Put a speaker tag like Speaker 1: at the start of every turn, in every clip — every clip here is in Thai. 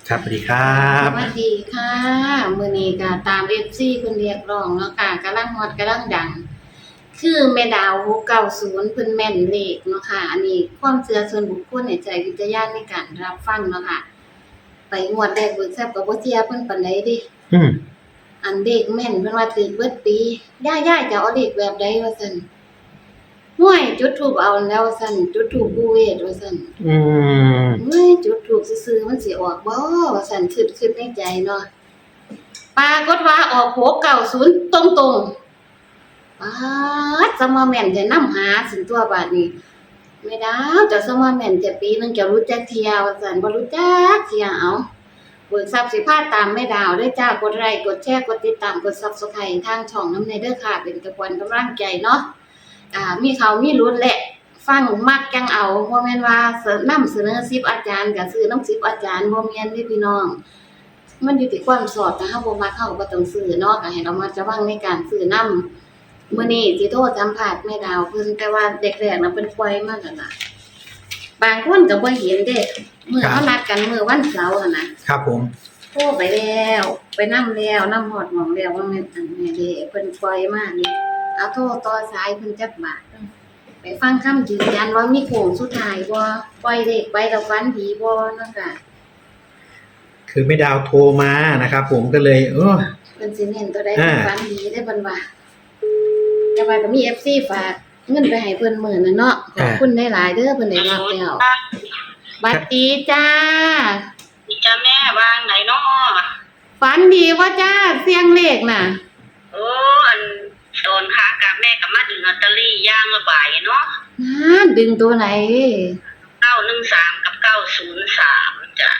Speaker 1: ครับสวัสดีครับ
Speaker 2: สวัสดีค่ะมื้อนี้ก็ตาม FC เพิ่นเรียกร้องเนาะค่ะกำลังฮอตกำลังดังคือแม่ดาว690เพิ่นแม่นเลขเนาะค่ะอันนี้ความเชื่อส่วนบุคคลให้ใช้วิจารณญาณในการรับฟังเนาะค่ะไปงวดแรกเบิกทรัพย์ก็บ่เชื่อเพิ่นปานใดเดะ
Speaker 1: อืม
Speaker 2: อันเลขแม่นเพิ่นว่าถูกเบิดปีย่าๆจะเอาเลขแบบใดว่าซั่นห้วยจุดธูปเอาแล้วว่าซั่นจุดธูปปู่เวทว่าซั่น
Speaker 1: อืม
Speaker 2: เฮ้ยจุดธูปซื่อๆมันสิออกบ่ว่าซั่นคิดในใจเนาะ ปรากฏว่าออก690ตรงๆป๊าดสมาแม่นแต่นำหาสินตัวบาดนี้แม่ดาวเจ้าสมาแม่นแต่ปีหนึงเจ้ารู้จักเที่ยว่าซั่นบ่รู้จักเที่ยเอาเบิกทรัพย์สิพาตามแม่ดาวเด้อจ้ากดไลค์กดแชร์กดติดตามกด Subscribe ทางช่องนำแน่เด้อค่ะเป็นกำลังใจเนาะมีเขามีลุ้นแหละฟังมักจังเอาบ่แม่นว่าเสนอ10อาจารย์ก็ซื้อนำ10อาจารย์บ่แม่นเด้พี่น้อง มันอยู่ที่ความสอบถ้าเฮาบ่มักเฮาก็บ่ต้องซื้อเนาะก็ให้ระมัดระวังในการซื้อนำมื้อนี้สิโทรสัมภาษณ์แม่ดาวเพิ่นแต่ว่าเด็กแรกน่ะเพิ่นปล่อยมาแล้วล่ะบางคนก็บ่เห็นเด้มื้อเฮานัดกันมื้อวันเสาร์อะนะครับ
Speaker 1: ผม
Speaker 2: โทรไปแล้วไปนำแล้วนำฮอดหม้องแล้วว่าแม่นอันแม่เด้เพิ่นปล่อยมานี่เอาโทรต่อสายเพิ่นจักบาทไปฟังคำยืนยันว่ามีโค้งสุดท้ายบ่ปล่อยเลขไปแล้วฝันดีบ่เนาะค่ะ
Speaker 1: คือไม่ดาวโทรมานะครับผมก็เลย
Speaker 2: เพิ่นสิเน้นตัวใดเพิ่นฝันดีได้เพิ่นว่าแต่ว่าก็มี FC ฝากเงินไปให้เพิ่นมื้อนั้นเนาะขอบคุณหลายๆเด้อเพิ่นได้รับแล้วบัดดีจ้า
Speaker 3: นี่จ้าแม่วางไหนเนาะ
Speaker 2: ฝันดีบ่จ้าเสียงเลขน่ะ
Speaker 3: โอ้อันโดนค้ากับแม่กับมาดึงลอตเตอรี่ย่างละบ่ายเนาะ
Speaker 2: ดึงตัวไหน
Speaker 3: 913กับ903จ้ะ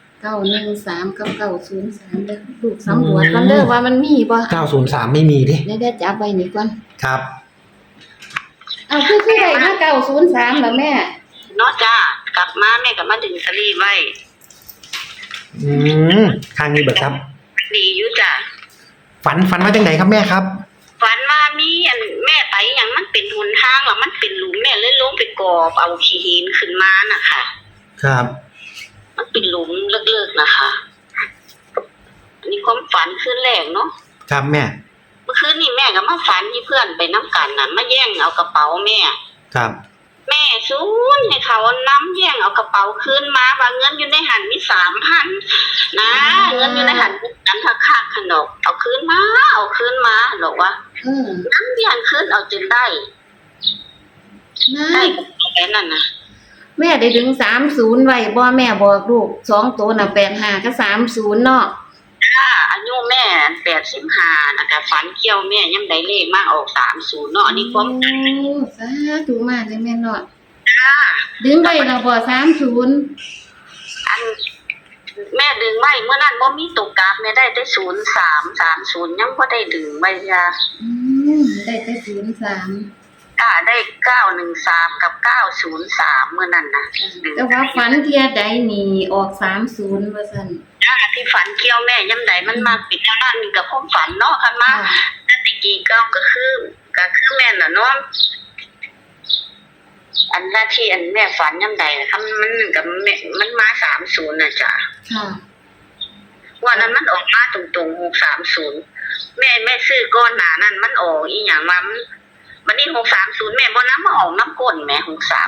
Speaker 2: 913กับ903เด้อลูกสำรวจก่อนเด้อว่ามันมีบ่
Speaker 1: 903ไม่มีดิ
Speaker 2: เดี๋ยวจับไว้นี่ก่อน
Speaker 1: ครับ
Speaker 2: เอาคือได้มา903ล่ะแม่
Speaker 3: เนาะจ้ากลับมาแม่กับมาดึงลอตเตอรี่ไว้
Speaker 1: อืมทางนี้เบิกครับ
Speaker 3: ดีอยู่จ้ะ
Speaker 1: ฝันว่าจังไดครับแม่ครับ
Speaker 3: ฝันว่ามีอันแม่ไปหยังมันเป็นหนทางแล้วมันเป็นหลุมแม่เลยลงไปกอบเอาขี้หินขึ้นมาน่ะค่ะ
Speaker 1: ครับ
Speaker 3: มันเป็นหลุมเลิกๆนะคะอันนี้ความฝันคืนแรกเนาะ
Speaker 1: ครับแม่
Speaker 3: เมื่อคืนนี้แม่ก็มาฝันที่เพื่อนไปน้ำกันน่ะมาแย่งเอากระเป๋าแม่
Speaker 1: ครับ
Speaker 3: แม่ซูนให้เขาน้ำแย่งเอากระเป๋าคืนมาว่าเงินอยู่ในหันมี 3,000 นะเงินอยู่ในหันนั้นค่าขนมเอาคืนมาหรอกว่าน้ำแย่งคืนเอาจนได้แค่นั้นนะ
Speaker 2: แม่ได้ดึง30ไว้บ่แม่บอกลูก2ตัวน่ะ85กับ30เนาะ
Speaker 3: อายุแม่85นะคะฝันเกี่ยวแม่ยังได้เลขมาออก30เนาะอันนี้ความ
Speaker 2: สาธุมากเลยแม่เนาะดึงไว้แล้วบ่30
Speaker 3: อันแม่ดึงไว้เมื่อนั้นบ่มีตกกราฟแม่ได้แต่0330ยังบ่ได้ดึงไว้จ้ะ
Speaker 2: ได้แต่03
Speaker 3: ได้913กับ903เมื่อนั้นน่ะ
Speaker 2: แต่ว่าฝันเที่ยใดนี่ออก30ว่าซั่น
Speaker 3: ที่ฝันเกี่ยวแม่ยามใดมันมาปิดเท่านั้นนี่ก็ความฝันเนาะคันมาแต่ตะกี้ก็คือแม่น่ะเนาะอันหน้าที่อันแม่ฝันยามใดนะคะมันกับแม่มันมา30น่ะจ้ะ
Speaker 2: ค่ะ
Speaker 3: วันนั้นมันออกมาตรงๆ630แม่ซื้อก่อนหน้านั้นมันออกอีหยังมามันนี่630แม่บ่นำมาออกน้ำก้นแม่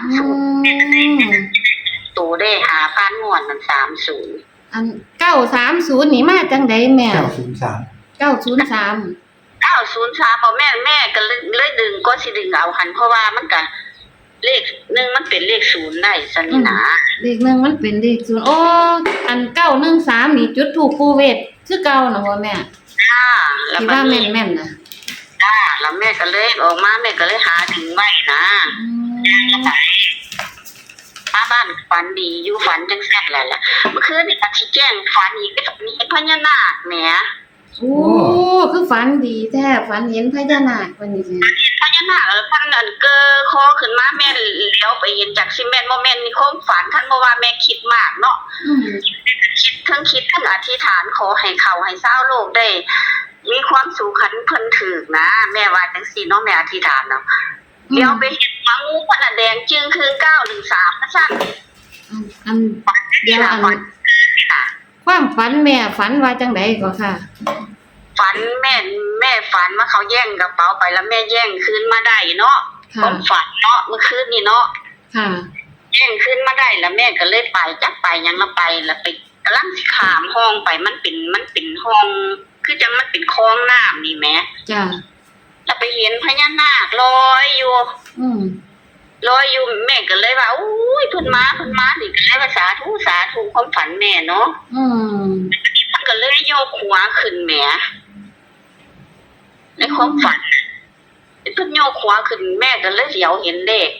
Speaker 3: 630ตัวได้5,000งวดมัน30
Speaker 2: อัน930นี่มาจังได๋แม่903
Speaker 3: บ่แม่ก็เลยดึงก็สิดึงเอาหันเพราะว่ามันก็เลข1มันเป็นเลข0ได้ซั่นนี่นะ
Speaker 2: เลข1มันเป็นเลข0โอ้อัน913นี่จุดธูปปู่เวทคือเก่าน่ะบ่แม่
Speaker 3: จ้า
Speaker 2: แล้วว่าแม่นๆน่ะ
Speaker 3: จ้าแล้วแม่ก็เลยออกมาแม่ก็เลยหาดึงไว้นะมาบ้านฝันดีอยู่ฝันจังซั่นแหละเมื่อคืนนี่ก็สิแจ้งฝันอีกกับนี่พญานาคแหม
Speaker 2: โอ้คือฝันดีแท้ฝันเห็นพญานาควันนี้
Speaker 3: พญานาคท่านอันเกอคอขึ้นมาแม่เลี้ยวไปเห็นจากสิแม่นบ่แม่นนี่ความฝันท่านบ่ว่าแม่คิดมากเนาะคิดทั้งอธิษฐานขอให้เขาให้ชาวโลกได้มีความสุขขันเพิ่นถึกนะแม่ว่าจังซี่เนาะแม่อธิษฐานเนาะเดี๋ยวไปเห็นงูมันแดงจึงคือ913ซั่น
Speaker 2: อันเดี๋ยวอันคความฝันแม่ฝันว่าจังไดก็ค่ะ
Speaker 3: ฝันแม่ฝันว่าเขาแย่งกระเป๋าไปแล้วแม่แย่งคืนมาได้เนาะค
Speaker 2: ค่ะ
Speaker 3: วามฝันเนาะเมื่อคืนนี่เนาะ
Speaker 2: ค่ะ
Speaker 3: แย่งคืนมาได้แล้วแม่ก็เลยไปจักไปยังละไปแล้วไปกำลังสิข้ามห้องไปมันเป็นห้อง คือจังมันเป็นคลองน้ำนี่แหม
Speaker 2: จ้ะ
Speaker 3: แล้วไปเห็นพญานาคลอยอยู่
Speaker 2: อืม
Speaker 3: ลอยอยู่แม่ก็เลยว่าอุ้ยเพิ่นมานี่ก็เลยว่าสาธุความฝันแม่เนาะ
Speaker 2: อืม
Speaker 3: มันก็เลยโยกหัวขึ้นแหมในความฝันเพิ่นโยกหัวขึ้นแม่ก็เลยเหลียวเห็นเลข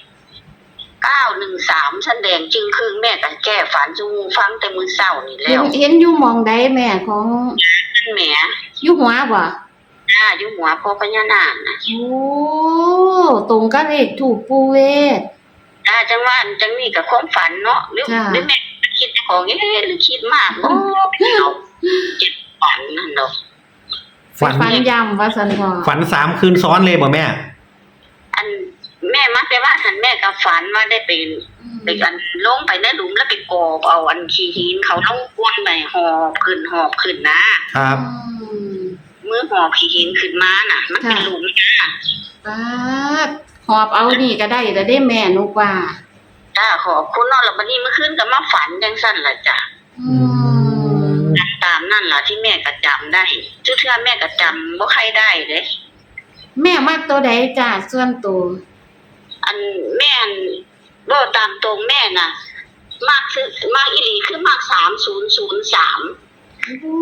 Speaker 3: 913แสดงจึงคือแม่ก็แก้ฝันจูฟังแต่มื้อเช้านี่แล้ว
Speaker 2: เห็นอยู่หมองใดแม่ของ
Speaker 3: แหม
Speaker 2: อยู่หัวบ่
Speaker 3: อยู่หัวพ่อพญานาคน่ะ
Speaker 2: โอ้ตรงกับเลขถูกปูเวศ
Speaker 3: จังว่าจังนี่ก็ความฝันเนาะหรือ
Speaker 2: จ้ะ
Speaker 3: แม่คิดของหรือคิดมากบ่เอาเจ็บฝันนั่นดอก
Speaker 1: ฝัน
Speaker 2: ย้ำว่าสันพอ
Speaker 1: ฝัน3 คืนซ้อนเลยบ่แม่
Speaker 3: อันแม่มักแต่ว่าหันแม่ก็ฝันว่าได้ไป ไปอันลงไปในหลุมแล้วไปกอบเอาอันขี้หินเขาต้องก้นไปหอบขึ้นนะครับ มือหอบขี้หินขึ้นมาน่ะ มันเป็นหลุมนะ
Speaker 2: ปาดหอบเอานี่ก็ได้แต่ได้แม่นุกว่า
Speaker 3: จ้าขอบคุณเนาะแล้วบัดนี้เมื่อคืนก็มาฝันจังซั่นล่ะจ้ะ
Speaker 2: อืม
Speaker 3: ตามนั่นล่ะที่แม่ก็จำได้เทื่อแม่ก็จำบ่ใครได้เด้
Speaker 2: แม่มักตัวใดจ้าส่วนตัว
Speaker 3: อันแม่นบ่ตามตรงแม่น่ะมากอีหลีคือมาก3003
Speaker 2: โอ้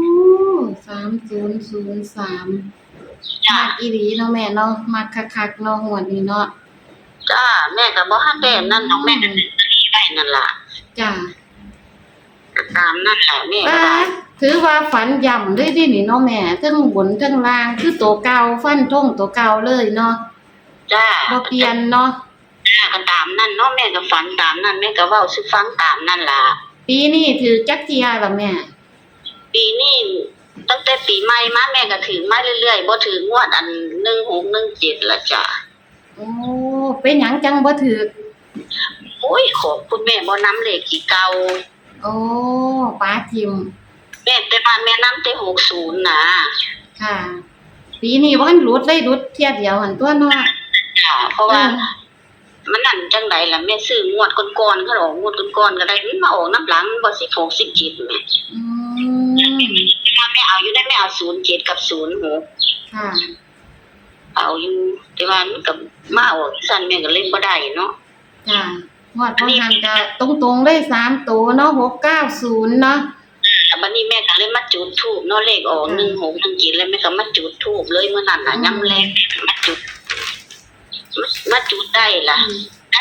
Speaker 2: 3003
Speaker 3: จ้า
Speaker 2: มักอีหลีเนาะแม่เนาะมักคักๆเนาะหัวนี้เนาะ
Speaker 3: จ้าแม่ก็บ่ทันได้นั่นดอกแม่ก็ได้นั่นล่ะ
Speaker 2: จ้า
Speaker 3: ตามนั่นแหละแม่ก็
Speaker 2: ป้า
Speaker 3: ได้
Speaker 2: ถือว่าฝันย่ำด้วยดินี่เนาะแม่ทั้งบนทั้งล่างคือตัวเก่าฟันท่งตัวเก่าเลยเนาะ
Speaker 3: จ้า
Speaker 2: บ่เปลี่ยนเนาะ
Speaker 3: จ้าก็ตามนั่นเนาะแม่ก็ฝันตามนั่นแม่ก็เว้าสิฟังตามนั่นล่ะ
Speaker 2: ปีนี้ถือจักเทียล่ะแม่
Speaker 3: ปีนี้ตั้งแต่ปีใหม่มาแม่ก็ถือมาเรื่อยๆบ่ถืองวดอัน1617ละจ้ะ
Speaker 2: โอ้เป็นหยังจังบ่ถือ
Speaker 3: โอ้ยขอบคุณแม่บ่นำเลขที่เก่า
Speaker 2: โอ้ป้าทิม
Speaker 3: แม่แต่ว่าแม่นำแต่60นะ
Speaker 2: ค่ะ ปีนี้บ่ทันหลุดเลยหลุดเที่ยเดียวหันตัวเนาะ
Speaker 3: ค่ะ เพราะว่ามันนั่นจังไดล่ะแม่ซื้องวดก่อนๆเขาออกงวดก่อนๆก็ได้มันมาออกน้ำหลังบ่16 17แม่
Speaker 2: อืม
Speaker 3: แม่เอาอยู่ได้แม่เอา07กับ06
Speaker 2: ค่ะ
Speaker 3: เอาอยู่แต่ว่ามันก็มาออกซั่นแม่ก็เล่นบ่ได้เนาะ
Speaker 2: จ้ะงวดบ่หันก็ตรงๆเลย3ตัวเนาะ690เนาะ
Speaker 3: บัดนี้แม่ก็เลยมาจุดธูปเนาะเลขออก1617แล้วแม่ก็มาจุดธูปเลยมื้อนั้นน่ะยามแลงมาจุดได้ล่ะได้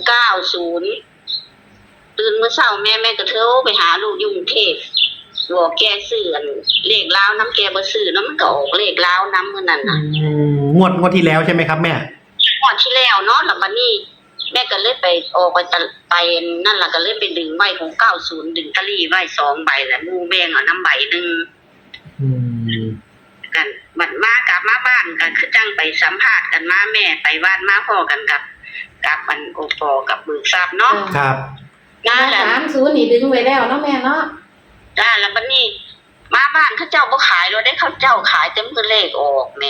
Speaker 3: 690ตื่นมื้อเช้าแม่ก็โทรไปหาลูกอยู่กรุงเทพบอกแกซื้ออันเลขลาวน้ำแกบ่ซื้อเนาะมันก็ออกเลขลาวน้ำมื้อนั้นน่ะ
Speaker 1: งวดที่แล้วใช่ไหมครับแม่
Speaker 3: งวดที่แล้วเนาะแล้วบัดนี้แม่ก็เลยไปออกไปนั่นล่ะก็เลยไปดึงไว้ของ90ดึงตะลี่ไว้2ใบแล้วหมู่แบ่งเอาน้ำใบนึง
Speaker 1: อืม
Speaker 3: กันบัดมากลับมาบ้านกันคือจังไปสัมภาษณ์กันมาแม่ไปบ้านมาพ่อกันกับอันโอปอกับเบิกทรัพย์เนาะ
Speaker 1: ครับ
Speaker 3: นั่นแหละ
Speaker 2: 30นี่ดึงไว้แล้วเนาะแม่เนาะ
Speaker 3: จ้าแล้วบัดนี้มาบ้านเขาเจ้าบ่ขายเราได้เขาเจ้าขายเต็มคือเลขออกแหม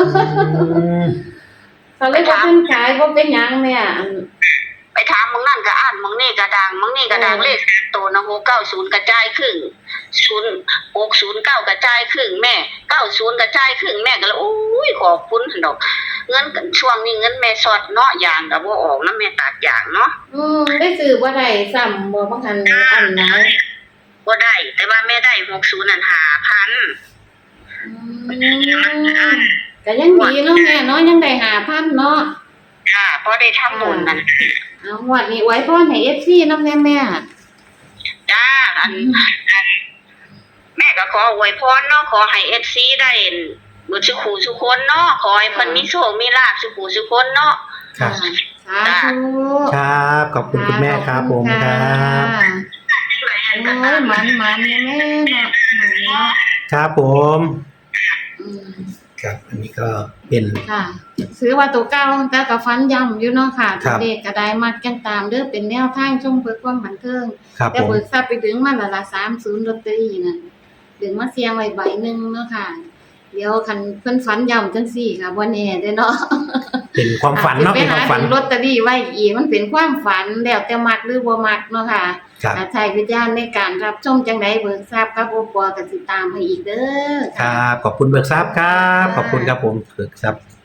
Speaker 2: เขาเลยบ่ทันขายบ่เป็นหยังแม่
Speaker 3: ไปถามมึงนั่นก็อ่านมึงนี่ก็ดังมึงนี่ก็ดังเลขตัวนะ690กระจายครึ่ง609กระจายครึ่งแม่90กระจายครึ่งแม่ก็เลยโอ้ยขอบคุณดอกเงินกันช่วงนี้เงินแม่สดเนาะยางก็บ่ออกนำแม่ตัดยางเนาะ
Speaker 2: ได้ซื้อบ่ได้ซ้ำบ่บ่ทันอันไหน
Speaker 3: บ่ได้แต่ว่าแม่ได้60นั่น5,000
Speaker 2: ก็ยังดีเนาะแม่เนาะยังได้5,000เนาะ
Speaker 3: ค่ะพอได้ทำบุญนั่น
Speaker 2: เอางวดนี้ไว้พรให้ FC นำแม่
Speaker 3: จ้าอันแม่ก็ขออวยพรเนาะขอให้ FC ได้บุญสุขูสุคนเนาะขอให้เพิ่นมีโชคมีลาภสุขูสุคนเนาะ
Speaker 1: ครับ
Speaker 2: สาธุ
Speaker 1: ครับขอบคุณคุณแม่ครับผมครับ
Speaker 2: โอ้ยหมันๆแม่เนาะเนาะ
Speaker 1: ครับผม
Speaker 2: อืม
Speaker 1: ครับอันนี้ก็เป็น
Speaker 2: ค่ะซื้อว่าตัวเก่าแต่ก็ฟันย่ำอยู่เนาะค่ะ
Speaker 1: ครับ
Speaker 2: เด็กก็ได้มักกันตามเด้อเป็นแนวทางชมเพื่อความบันเทิง
Speaker 1: ครับ
Speaker 2: แต่
Speaker 1: ผม
Speaker 2: เบิกทรัพย์ไปถึงมันละ30ลอตเตอรี่นั่นดึงมาเสียงไว้ใบหนึงเนาะค่ะเดี๋ยวคันเพิ่นฝันย่ำจังซี่ค่ะบ่แน่เด้อเนาะ
Speaker 1: เป็นความฝันเนาะเป็นความฝัน
Speaker 2: ไปหลอตเตอรี่ไว้อีกมันเป็นความฝันแล้วแต่มักหรือบ่มักเนาะค่ะ
Speaker 1: ครับ
Speaker 2: ใช้วิจารณ์ในการรับชมจังไดเบิกทราบกับโอปอก็สิตามให้อีกเด้อ
Speaker 1: ครับขอบคุณเบิกทรัพย์ครับ ขอบคุณครับผมเบิกทรัพย์